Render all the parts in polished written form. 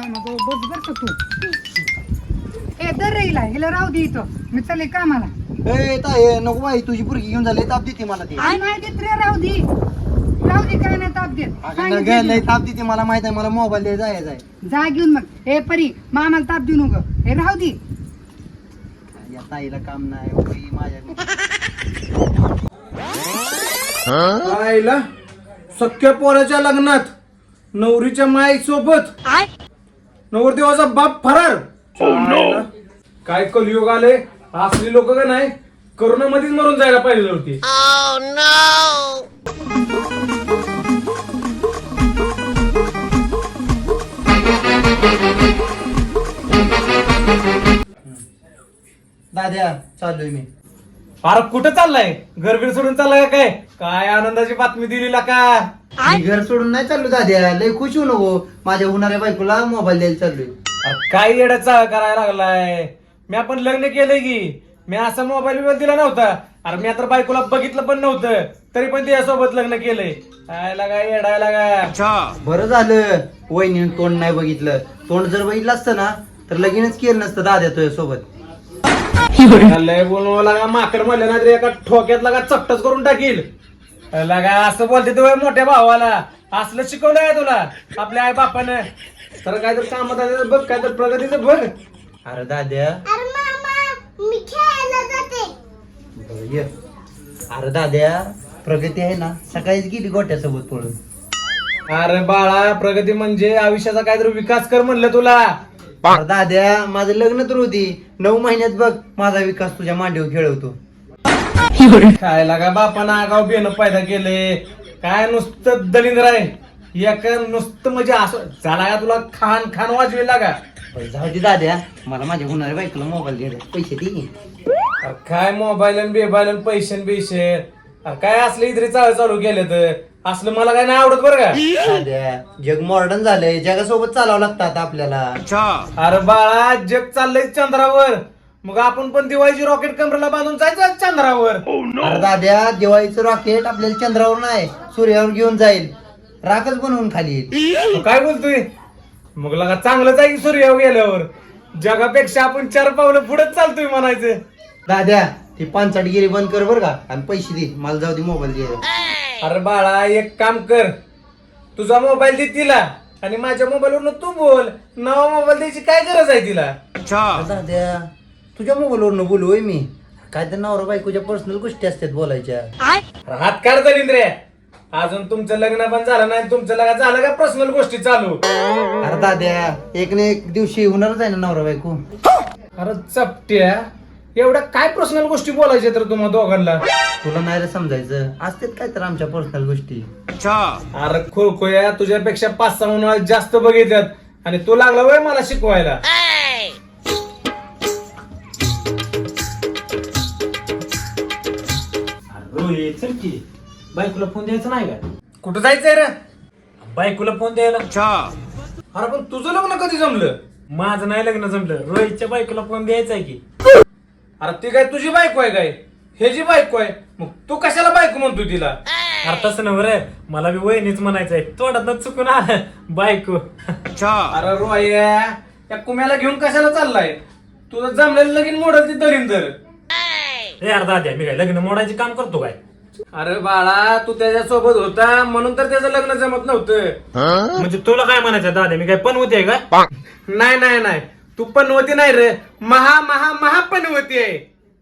मामा बस बर का तू ए दर राहिला हिला राहू दे इथं मी चालले कामाला. ए ताई नको बाई तुझी पुरगी घेऊन झाली ताप देते मला ती. नाही देत रे राहू दे काय नाही ताप देत. लय ताप देते मला माहित आहे मला मोबाईल द्यायचा आहे जा घेऊन मग ए परी मामाला ताप देऊ नको हे राहू दे. या ताईला काम नाही माझ्या आईला सख्या पोराच्या लग्नात नवरीच्या माई सोबत नवरदेवाचा बाप फरार. आईला, काय कलियुग आले असली लोक का नाही करोना मध्येच मरून जायला पाहिजे होती. दाद्या चाललोय मी. अरे कुठं चाललाय घरबीर सोडून चाललाय का काय काय आनंदाची बातमी दिलीला का. मी घर सोडून नाही चाललो दाद्या लय खुश होऊ नको माझ्या होणाऱ्या बायकोला मोबाईल द्यायला चाललोय. अरे काय येड्याचा करायला लागलाय मी आपण लग्न केलंय की मी असा मोबाईल बिबाईल दिला नव्हता. अरे मी आता बायकोला बघितलं पण नव्हतं तरी पण त्यासोबत लग्न केलंय. काय लागा येडायला का. बरं झालं वहिनीनं तोंड नाही बघितलं. तोंड जर बघितलं असतं ना तर लगीनच केलं नसतं दाद्या तुझ्या सोबत. लय बोलू लागा माकड म्हणलं ना तरी एका ठोक्यात लागा चपटच करून टाकील. लागा असं बोलते तू मोठ्या भावाला असलं शिकवलंय तुला आपल्या आई बापानं तर काय तर कामात आलं बघ काय तर प्रगतीचं बघ. अरे दाद्या मी खेळायला जाते. बरं, ये. अरे दाद्या प्रगती आहे ना सकाळीच गेली गोट्यासोबत पळून. अरे बाळा प्रगती म्हणजे आयुष्याचा काहीतरी विकास कर म्हणलं तुला. अरे दाद्या माझं लग्न तर होती 9 महिन्यात बघ माझा विकास तुझ्या मांडीवर खेळवतो. काय लागा बापानं आगाव बेन पैदा केले काय नुसतं दलिंद्र आहे एक नुसतं म्हणजे असं झाला का तुला खान खान वाजवे लागा. बरं, जाऊ दे दाद्या मला माझ्या होणाऱ्या बायकोला मोबाईल द्यायला पैसे दे. अरे काय मोबाईल बेबाईल पैसे बिशे अरे काय असलं इतरी चालू केलं तर असलं मला काय नाही आवडत बरं का. दाद्या जग मॉडर्न झालंय जगासोबत चालावं लागतात आपल्याला. अरे बाळा जग चाललंय चंद्रावर मग आपण पण दिवाळीची रॉकेट कमरेला बांधून जायचं चंद्रावर. अरे दाद्या दिवाळीचं रॉकेट आपल्याला चंद्रावर नाही सूर्यावर घेऊन जाईल राखच बनवून खाली येईल. तू काय बोलतोय मग लगा चांगलंच आहे की सूर्यावर गेल्यावर जगापेक्षा आपण 4 पावलं पुढेच चालतोय म्हणायचं. दाद्या ती पानसाटगिरी बंद कर बर का आणि पैसे दे मला जाऊ दे मोबाईल द्यायला. अरे बाळा एक काम कर तुझा मोबाईल दे तिला आणि माझ्या मोबाईलवरनं तू बोल नवा मोबाईल द्यायची काय गरज आहे तिला. अरे दाद्या तुझ्या मोबाईलवरनं बोलू होय मी काय तर नवरा बायकोच्या पर्सनल गोष्टी असतात बोलायच्या. अरे हात काढ दलिंद्रे अजून तुमचं लग्न पण झालं नाही तुमचं लग्न झालं का पर्सनल गोष्टी चालू. अरे दाद्या एक ना एक दिवशी होणारच आहे ना नवरा बायको. अरे चपट्या एवढ्या काय पर्सनल गोष्टी बोलायच्या तर तुम्हा दोघांना. तुला नाही रे समजायचं असतात काय तर आमच्या पर्सनल गोष्टी. अरे खोया तुझ्यापेक्षा 5-6 उन्हाळ्यात जास्त बघितल्यात आणि तू लागला वय मला शिकवायला. चल की बायकोला फोन द्यायचा नाही का. कुठं जायचंय रे. बायकोला फोन द्यायला. अरे पण तुझं लग्न कधी जमलं. माझं नाही लग्न जमलं रोहितच्या बायकोला फोन द्यायचा आहे की. अरे ती काय तुझी बायको आहे काय हे जी बायको आहे मग तू कशाला बायको म्हणतो तिला. अरे तसं नव्हे रे मला बी वहिनीच म्हणायचंय तोंडात चुकून आलं बायको. अरे रोया या कुम्याला घेऊन कशाला चाललाय तुझं जमलेलं लगीन मोडल ती दलिंदर. हे यार दाद्या मी काय लग्न मोडायचे काम करतो काय. अरे बाळा तू त्याच्या सोबत होता म्हणून तर त्याचं लग्न जमत नव्हतं. म्हणजे तुला काय म्हणायचं दाद्या मी काय पण होते का. नाही नाही नाही तू पण होती नाही रे महा महा महा पण होती आहे.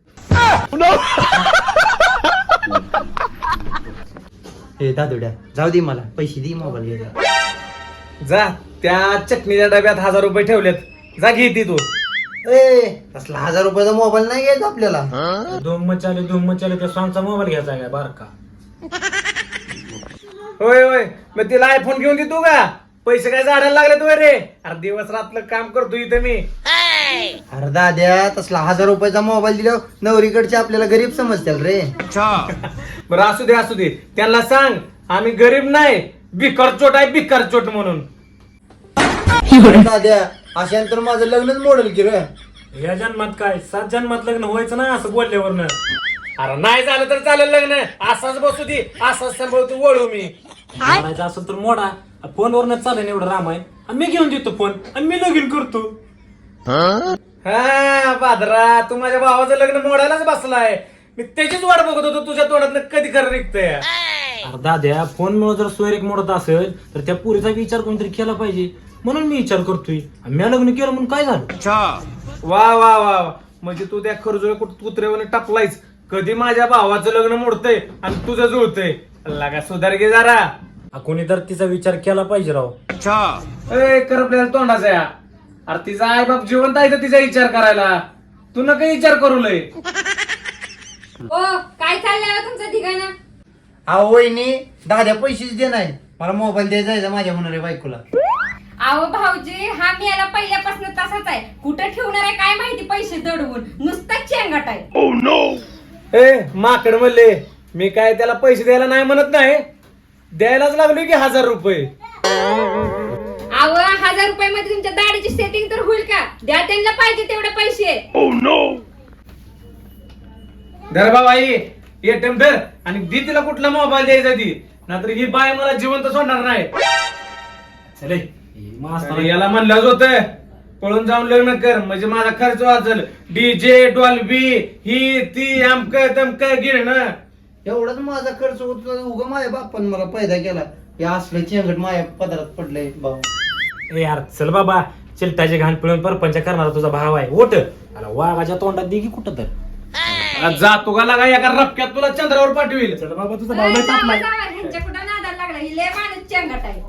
हे दादुड्या जाऊ दे मला पैसे दे मोबाईल घ्यायला. जा त्या चटणीच्या डब्यात 1000 रुपये ठेवलेत जा घे ती तू. ए असला 1000 रुपयाचा मोबाईल नाही घ्यायचा आपल्याला. धूम मचाले त्या सॉंगचा मोबाईल घ्यायचा काय बारका. होय होय मग तिला आयफोन घेऊन देतो का पैसे काय झाडायला लागले तू रे. अरे दिवस रात्र काम करतो इथं मी. अरे दाद्या तसला 1000 रुपयाचा मोबाईल दिला नवरीकडचे आपल्याला गरीब समजतील रे. बरं असू दे त्यांना सांग आम्ही गरीब नाही भिकारचोट आहे भिकारचोट म्हणून. दाद्या अशानंतर माझं लग्नच मोडेल की रे. या जन्मात काय 7 जन्मात लग्न व्हायचं ना असं बोलल्यावरनं. अरे नाही झालं तर चालेल लग्न असाच बसू दे असाच सांभाळतो वळू मी. म्हणायचं असं तर मोडा फोनवरनच चालेल एवढं रामायण. आणि मी घेऊन देतो फोन आणि मी लगीन करतो. हा बादरा, तू माझ्या भावाचं लग्न मोडायलाच बसलाय. मी त्याचीच वाट बघत होतो तुझ्या तोंडात कधी खरं निघतंय. अरे दाद्या, फोन मुळे जर सोयरेक मोडत असेल तर त्या पुरीचा विचार कोणतरी केला पाहिजे, म्हणून मी विचार करतोय. आणि मी लग्न केलं म्हणून काय झालं? वा वा वा वा, म्हणजे तू त्या खरजुळे कुत्र्यावर टाकलायच. कधी माझ्या भावाचं लग्न मोडतंय आणि तुझं जुळतंय. लागा सुधार घे जरा. कोणी तर तिचा विचार केला पाहिजे राव. ए करपल्याला तोंडाचा या. अरे तिचा आई बाप जिवंत आहे तर तिचा विचार करायला तू नका विचार करू लय. ओ काय चाललंय तुमचं ठिकाणं? अहो वहिनी, दादा पैसेच दे नाही, मला मोबाईल द्यायचा आहे माझ्या होणाऱ्या बायकोला. अहो भाऊजी, हा मी याला पहिल्यापासून तसाच आहे. कुठं ठेवणार आहे काय माहिती पैसे दडवून, नुसताच चेंगट आहे. ए माकड म्हणले, मी काय त्याला पैसे द्यायला नाही म्हणत नाही, द्यायलाच लागलो की 1000 रुपये. अहो 1000 रुपयामध्ये तुमच्या दाढीची सेटिंग तर होईल का? द्या त्यांना पाहिजे तेवढे पैसे. धर बाबाई एटीएम धर आणि दी तिला कुठला मोबाईल द्यायचा ती, नाहीतर ही बाय मला जिवंत सोडणार नाही. चले अरे याला म्हणलंच होतं पळून जाऊन लग्न कर म्हणजे माझा खर्च वाचल. डीजे डॉल्बी ही ती अमक तमक गिरणं. एवढाच माझा खर्च होतो, उगा माझ्या बापान मला पैदा केला. हे असलं चेंगट माझ्या पदरात पडलंय भाऊ. ए यार चल बाबा, चिलटाचे घाण पिळून परपंच करणारा तुझा भाव आहे. ओट आला वाघाच्या तोंडात दे की कुठं तर. जातो का लागा एका रपक्यात तुला चंद्रावर पाठवील. चल बाबा, तुझा ए, भाव लय जावा, तापलाय. जावा, ह्यांच्या कुठं नादाला लागला, ही लय माणूस चेंगट आहे.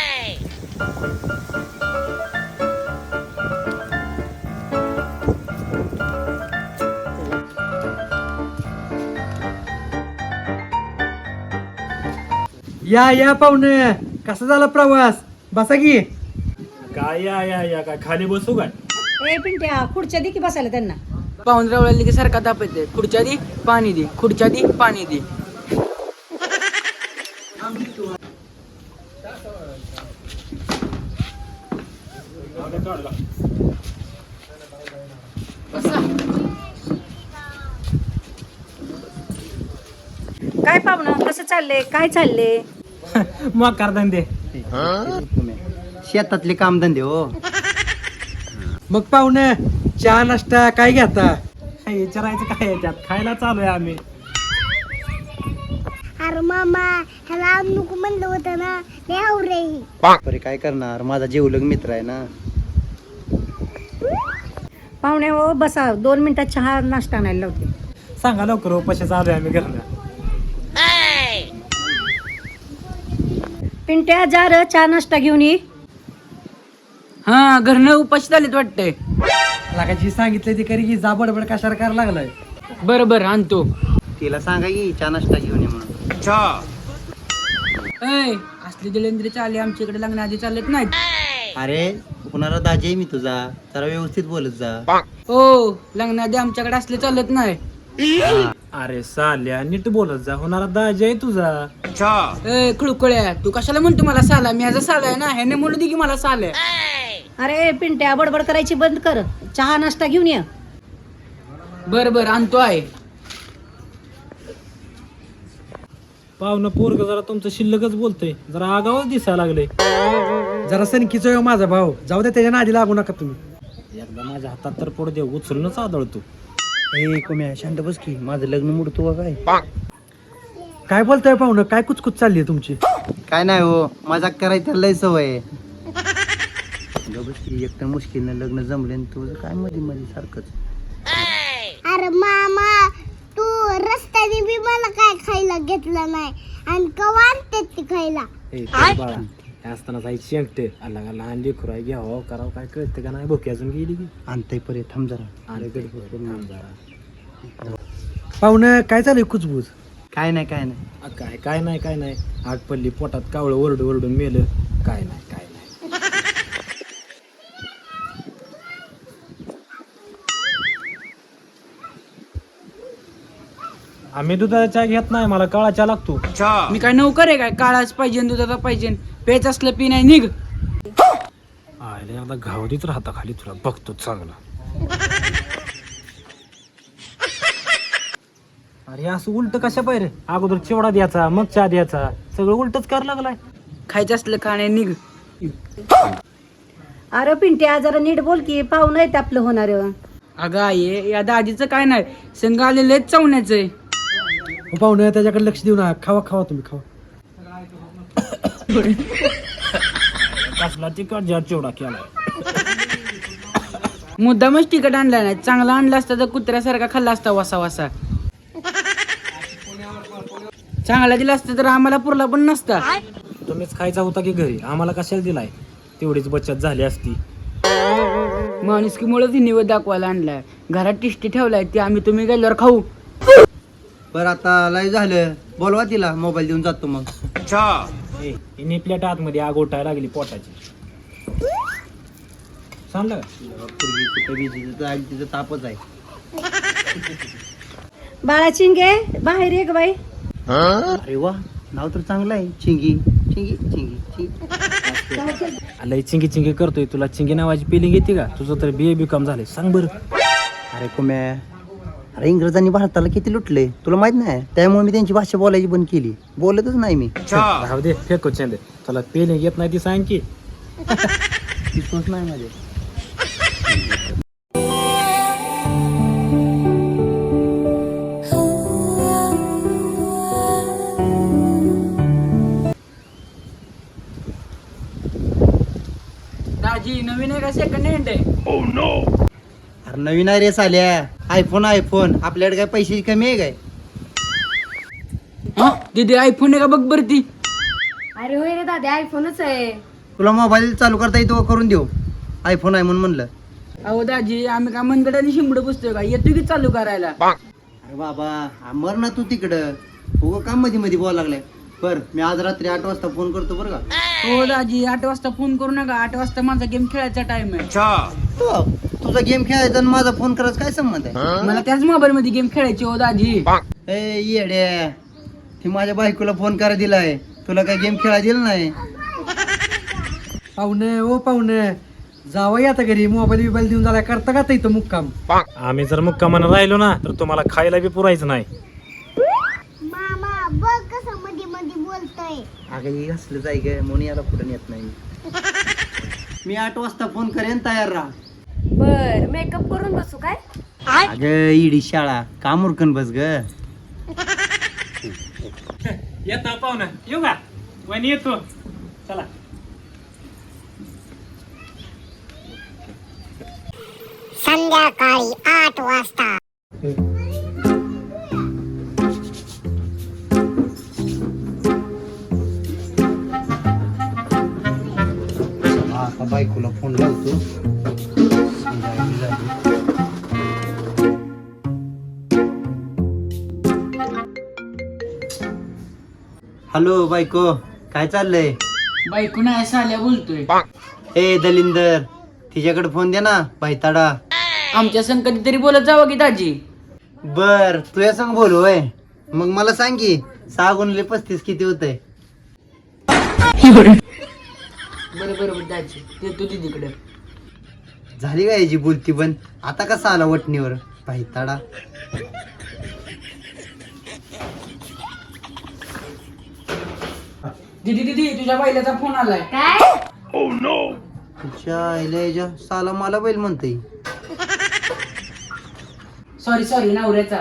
या या पाहुणे, कसा झाला प्रवास? बसा की. काय या काय खाली बसू काय? ए पिंट्या, खुर्च्या दे की बसायला त्यांना. पाहुणरावळ्याला की सारखा ताप येते. खुर्च्या दे पाणी दे, खुर्च्या दे पाणी दे. काय पाहुणं, कसं चाललंय, काय चाललंय? मग करतान दे. शेतातले कामधंदे हो. मग पाहुणे, चहा नाश्ता काय घेता? विचारायचं काय याच्यात, खायला चालू आहे आम्ही. अरे मामा, ह्याला नको म्हणलं होतं ना, लय आवरे ही. बरे काय करणार, माझा जीवलग मित्र आहे ना. पाहुणे हो, बसा, 2 मिनिटात चहा नाश्ता आणायला लावते. सांगा लवकर हो, पैसे चालू आहे आम्ही घरनं. पिंट्या, जा र चहा नाश्ता घेऊन ये. हा, घरनं उपाशी झालेत वाटतंय. लागायची सांगितलं ती करी की जा बडबड कशाला करायला लागलाय. बरं बरं आणतो. तिला सांगा की चहा नाश्ता घेऊन ये म्हणून. ऐ, असले दळेंद्र चाले आमच्याकडे लग्न आधी चालत नाहीत. अरे कुणाला दाजी आहे मी तुझा, जरा व्यवस्थित बोलत जा. हो, लग्न आधी आमच्याकडे असले चालत नाही. अरे साल्या, नीट बोलत जा, होणारा दाजी आहे तुझा. ए खुळकुळ्या, तू कशाला म्हणतो मला साला? मी ह्याचा साला आहे ना, ह्याने म्हणू दे की मला साल आहे. अरे पिंट्या, बडबड करायची बंद कर, चहा नाश्ता घेऊन ये. बरं बरं आणतो आहे. पाहुणं पोरग जरा तुमचं शिल्लकच बोलतोय, जरा आगावच दिसायला लागले. जरा सनकीचा हो माझा भाऊ, जाऊ दे, त्याच्या नादी लागू नका तुम्ही. एकदा माझ्या हातात तर पडू दे, उचलूनच आदळतो. ए कोम्या, शांत बस की, माझं लग्न मोडतो का काय? काय बोलताय पाहुणं, काय कुचकुच चालली आहे तुमची? काय नाही हो, मजाक करायची लय सवय आहे. बस की, एकतर मुश्किलनं लग्न जमले आणि तुझं काय मध्ये मध्ये सारखंच. अरे मामा, तू रस्त्याने बी मला काय खायला घेतलं नाही आणि कवा आणते ती खायला. ए बाळा, हे असताना जायची शेंगटे आला का लहान लेकरू आहे, घ्यावं करावं काय कळतं का नाही? भुकी अजून गेली की आणताय परत, थांब जरा. अरे गडबड करून आण जरा. पाहुणं, काय चालू आहे कुचबूज? काय नाही काय नाही. काय नाही आग पडली पोटात, कावळं ओरडून मेलं. काय नाही. आम्ही दुधाचा चहा घेत नाही, मला काळा चहा लागतो. मी काय नौकर आहे काय? काळाच पाहिजे, दुधाचा पाहिजे, पेच असलं पी नाही निघ. आयला एकदा घावरीच राहता खाली, तुला बघतो चांगला. अरे असं उलट कशा पाहिजे? अगोदर चिवडा द्यायचा, मग चहा द्यायचा, सगळं उलटच करायला लागलाय. खायचं असलं खाणे निघ. अरे पिंट्या जरा नीट बोल की पाहुणं आहे ते आपलं होणार. अगं आई या दाजीचं काय नाही संघ आलेले चवण्याचं आहे. पाहुणे त्याच्याकडे लक्ष देऊ नका. खावा खावा तुम्ही खावा. कसला तिकट जार चिवडा केला. मुद्दामच तिकट आणला नाही. चांगला आणला असता तर कुत्र्यासारखा खाल्ला असता वासा वासा. चांगला दिला असता तर आम्हाला पुरला पण नसता. तुम्हीच खायचा होता की घरी, आम्हाला कशाला दिलाय? तेवढीच बचत झाली असती. माणुसकीमुळे निवड दाखवायला आणलाय. घरात टिष्टी ठेवलाय ती आम्ही तुम्ही गेल्यावर खाऊ. बरं आता लय झालं, बोलवा तिला, मोबाईल देऊन जातो मग. हिने प्लेट आतमध्ये आग ओटायला लागली पोटाची. सांगलं का? पूर्वी कुठे बिझी आणि तिचं तापच आहे. बाळा चिंगे बाहेर ये ग बाई. अरे वा, नाव तर चांगलं आहे. चिंगी चिंगी चिंगी चिंगी. लय चिंगी चिंगी करतोय. तुला चिंगी नावाची पेलिंग येते का? तुझं तर BA-BCom झालंय. सांग बरं. अरे कुम्या, अरे इंग्रजांनी भारताला किती लुटले तुला माहित नाही? त्यामुळे मी त्यांची भाषा बोलायची बंद केली. बोलतच नाही मी. राहू दे, फेको चेंदे. तुला पेलिंग येत नाही ती सांग की. विश्वास नाही माझे. दाजी नवीन आहे का सेकंड हँड आहे? अरे नवीन आहे रे साल्या. आयफोन आपल्याकडे काय पैशाची कमी आहे काय? दीदी आयफोन आहे का बघ बरं ती. अरे होय रे दादा, आयफोनच आहे. तुला मोबाईल चालू करता येतो का? करून देऊ. आयफोन आहे म्हणून म्हणलं. अहो दाजी आम्ही का मनगडाने शिंबड पुसतोय का? येतो की चालू करायला. अरे बाबा मर ना तू तिकडं. हो का मध्ये मध्ये बोलायला लागलाय. बर मी आज रात्री 8 वाजता फोन करतो बरं का. हो दाजी 8 वाजता फोन करू नका. 8 वाजता माझा गेम खेळायचा टाइम आहे. हो, तुझा गेम खेळायचा आणि माझा फोन करायचा काय संबंध आहे? मला त्याच मोबाईल मध्ये गेम खेळायची हो दाजी. ए येड्या, ती माझ्या बायकोला फोन करायला दिलाय. तुला काय गेम खेळायला दिला नाही? पाहुणे ओ पाहुणे, जावं आता घरी. मोबाईल बिबाईल देऊन झाला करता का इथं मुक्काम? आम्ही जर मुक्कामानं राहिलो ना तर तुम्हाला खायला बी पुरायचं नाही. मामा बघ कसं मध्ये मध्ये बोलतोय. अगं हे असलं जाय ग, म्हणून याला पुढे येत नाही. मी 8 वाजता फोन करेन, तयार राहा. बर, मेकअप करून बसू काय? अगं इडी शाळा, काम उरकन बस ग. येता पाहुणा, येऊ का? वहिनी येतो. चला. संध्याकाळी 8 वाजता. आता बायकोला फोन लावतो. हॅलो बायको, काय चाललंय? बायको नाही साल्या बोलतोय. ए दलिंदर, तिच्याकडे फोन दे ना भाईताडा. आमच्या संग कधीतरी बोलत जावं की दाजी. बर तुझ्या संग बोलू होय? मग मला सांग की 6 गुणिले 35 किती होतंय? बरोबर दाजी, देतो दीदीकडे. झाली का याची बोलती बंद? आता कसा आला वटणीवर भाईताडा? दीदी तुझ्या बायलाचा फोन आलाय. काय? तुझ्या आईला याच्या साला मला बैल म्हणते. सॉरी नवऱ्याचा.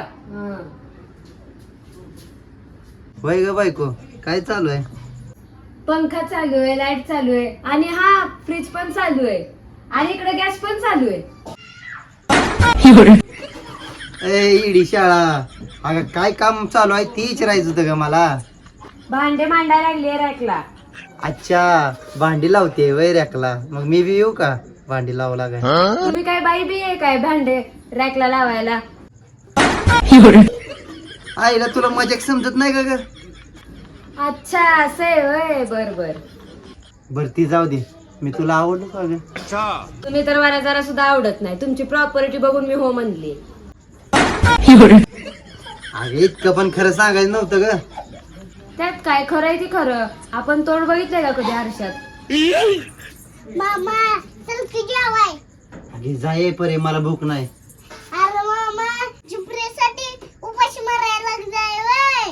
होय ग बायको, काय चालू आहे? पंखा चालू आहे, लाईट चालू आहे, आणि हा फ्रीज पण चालू आहे, आणि इकडे गॅस पण चालू आहे. ए इडी शाळा, अगं काय काम चालू आहे ती विचारायचं होतं ग मला. भांडे मांडायला लागले रॅकला. अच्छा, भांडी लावते वय रॅकला. मग मी बी येऊ का भांडी लावू लागाय? तुम्ही काय बाई बी आहे काय भांडे रॅकला लावायला? आईला तुला मजाक समजत नाही का ग? अच्छा असं आहे होय. बर बर ती जाऊ दे. मी तुला आवडलो का ग? तुम्ही तर मला जरा सुद्धा आवडत नाही. तुमची प्रॉपर्टी बघून मी हो म्हणली. अरे इतकं पण खरं सांगायचं नव्हतं ग. त्यात काय खरं आहे ती खरं. आपण तोंड बघितलंय का कधी आरशात? मामा चल की जेवाय. अगे जाय परे, मला भूक नाही. अरे मामा झुपऱ्यासाठी उपाशी मारायला लागलाय वय.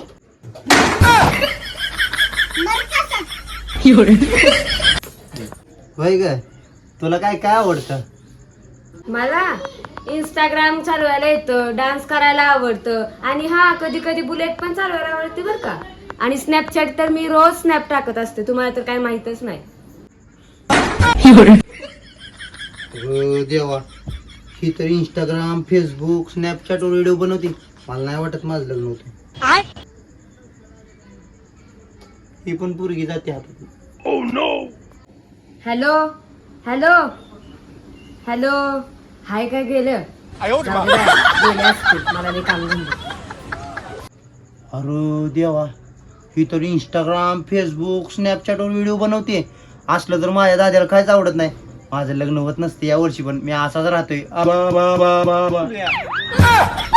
मर कसा. होय ग, तुला काय काय आवडतं? मला इंस्टाग्राम चालवायला येतं, डान्स करायला आवडतं आणि हा कधी कधी बुलेट पण चालवायला आवडते बरं का. आणि स्नॅपचॅट तर मी रोज स्नॅप टाकत असते, तुम्हाला तर काय माहितच नाही. देवा, ही तर इंस्टाग्राम, फेसबुक, स्नॅपचॅटवर व्हिडिओ बनवते. मला नाही वाटत माझं लग्न होतं. ही पण पोरगी जाते हातात. हॅलो हॅलो हॅलो, हाय काय गेलं? जाऊ द्या, गेले असतील, मला नाही काम धंदा. अरे देवा, ही तर इंस्टाग्राम, फेसबुक, स्नॅपचॅटवर व्हिडिओ बनवते. असलं तर माझ्या दाद्याला काहीच आवडत नाही. माझं लग्न होत नसते या वर्षी, पण मी असाच राहतोय.